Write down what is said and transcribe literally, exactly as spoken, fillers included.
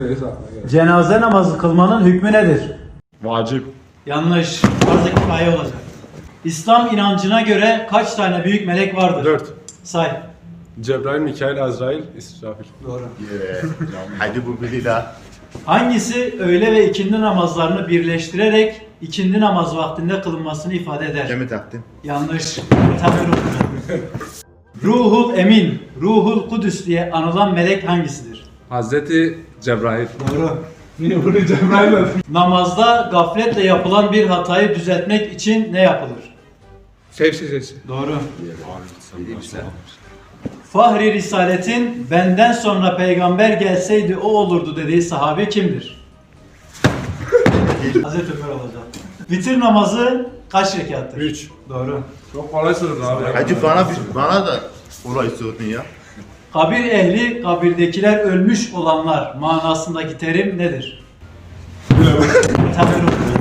Cenaze namazı kılmanın hükmü nedir? Vacip. Yanlış. Farz-ı kifaye olacak. İslam inancına göre kaç tane büyük melek vardır? Dört. Say. Cebrail, Mikail, Azrail, İsrafil. Doğru. Yeah. Hadi bu biri daha. Hangisi öğle ve ikindi namazlarını birleştirerek ikindi namaz vaktinde kılınmasını ifade eder? Kemi taktın? Yanlış. Tabii ruhul. Ruhul Emin, Ruhul Kudüs diye anılan melek hangisidir? Hazreti Cebrail. Doğru. Niye bunu Cebrail mi? Namazda gafletle yapılan bir hatayı düzeltmek için ne yapılır? Sev sesi. Doğru. Fahri Risalet'in benden sonra peygamber gelseydi o olurdu dediği sahabe kimdir? Hazreti Ömer olacak. Vitir namazı kaç rekattır? Üç. Doğru. Çok kolay sorun abi. Hadi bana, bana da olay sordun ya. Kabir ehli, kabirdekiler ölmüş olanlar manasındaki terim nedir? Tabii ruh.